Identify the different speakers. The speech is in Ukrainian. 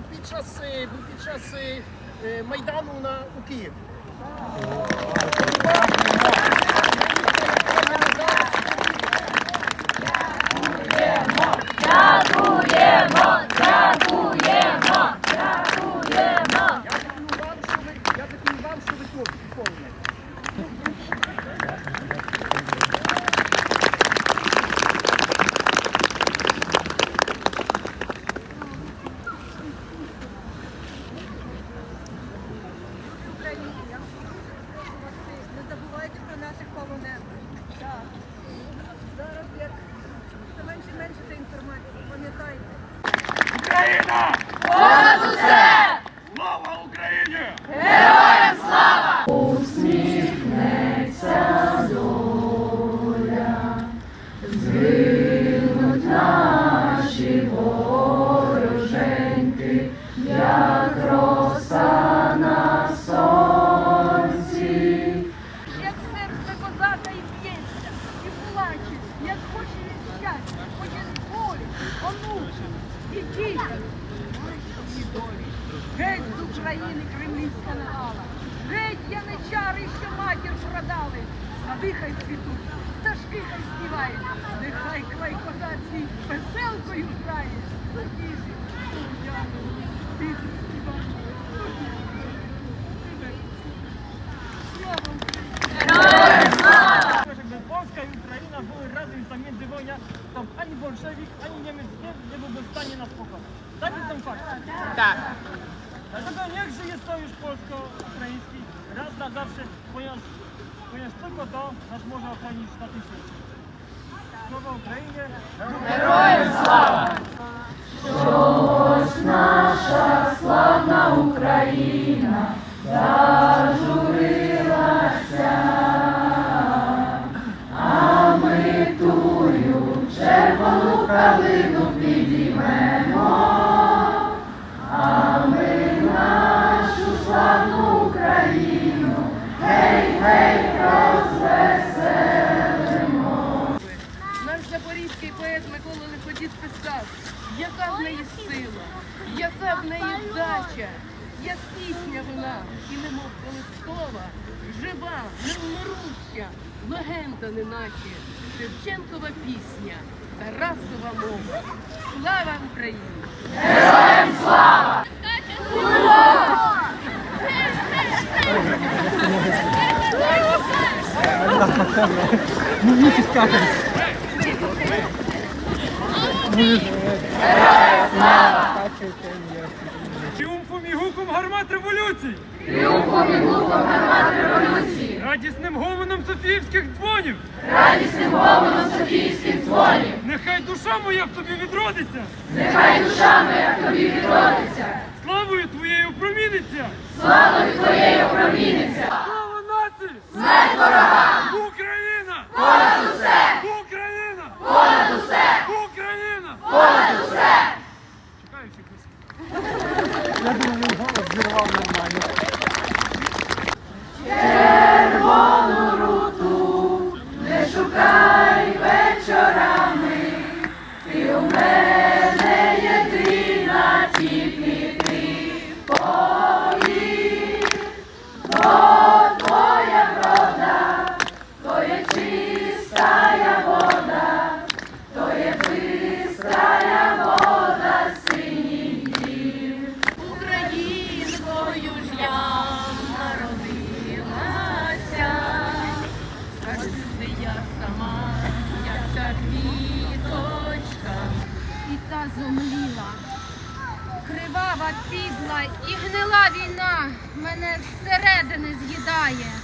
Speaker 1: під час Майдану у Києві.
Speaker 2: Дякуємо!
Speaker 1: Я дякую вам, що ви тут виконуєте.
Speaker 2: Не забувайте про наших полонених. Зараз як все менше і менше та інформації. Пам'ятайте.
Speaker 3: Україна!
Speaker 2: Понад усе!
Speaker 3: Слава Україні!
Speaker 2: Героям слава!
Speaker 4: Усміхнеться доля, згинуть наші вороженьки, як роса на сонці.
Speaker 2: Як серце козака і б'ється, і плаче, як хоче від щастя, хоче волі, онучі і дітям. І долі. Геть з України кремлівська навала. Геть яничари, що матір продали. Сади хай цвітуть, пташки хай співають. Нехай край козацький веселкою грає. Надіжі, Уляну, тихо співає. Слава Україні!
Speaker 5: Żeby Polska i Ukraina były razem za międzywojnia, to ani bolszewik, ani Niemiec nie byłby w stanie nas pokonać. Taki są fakty.
Speaker 6: Tak.
Speaker 5: Dlatego niech żyje sojusz polsko-ukraiński raz na zawsze, ponieważ tylko to nas może ochronić na tym świecie. Sława Ukrainie!
Speaker 4: Героям слава! Щось наша славна Україна зажурилася, а ми тую червону калину підіймемо, а ми нашу славну Україну гей, гей, розвеселимо.
Speaker 6: Наш запорізький поет Микола Лиходіт писав, яка в неї сила, яка в неї вдача, як пісня вона, і немов колискова, жива, невмируща, легенда неначе, Шевченкова пісня, Тарасова мова. Слава Україні!
Speaker 4: Героям слава! Героям слава!
Speaker 5: Тріумфом і гуком гармат революцій!
Speaker 4: Тріумфом і гуком гармат революції!
Speaker 5: Радісним гомоном софіївських дзвонів!
Speaker 4: Радісним гомоном софійських дзвонів!
Speaker 5: Нехай душа моя в тобі відродиться!
Speaker 4: Нехай душа моя в тобі відродиться!
Speaker 5: Славою твоєю проміниться!
Speaker 4: Славою твоєю проміниться!
Speaker 5: Слава нації!
Speaker 4: Смерть ворогам!
Speaker 5: Україна!
Speaker 4: Понад усе!
Speaker 5: Україна!
Speaker 4: Понад усе!
Speaker 5: Україна!
Speaker 4: Понад усе!
Speaker 5: Чекаю всіх усіх.
Speaker 4: Червону руту не шукай вечорами, ти у мене єдина, тільки ти поїдь, бо твоя врода, то є чистая вода, то є бистрая вода синіх дів.
Speaker 6: Українкою ж я народилася, завжди я сама, як та квіточка.
Speaker 7: І та зомліла, кривава, підла і гнила війна мене зсередини з'їдає.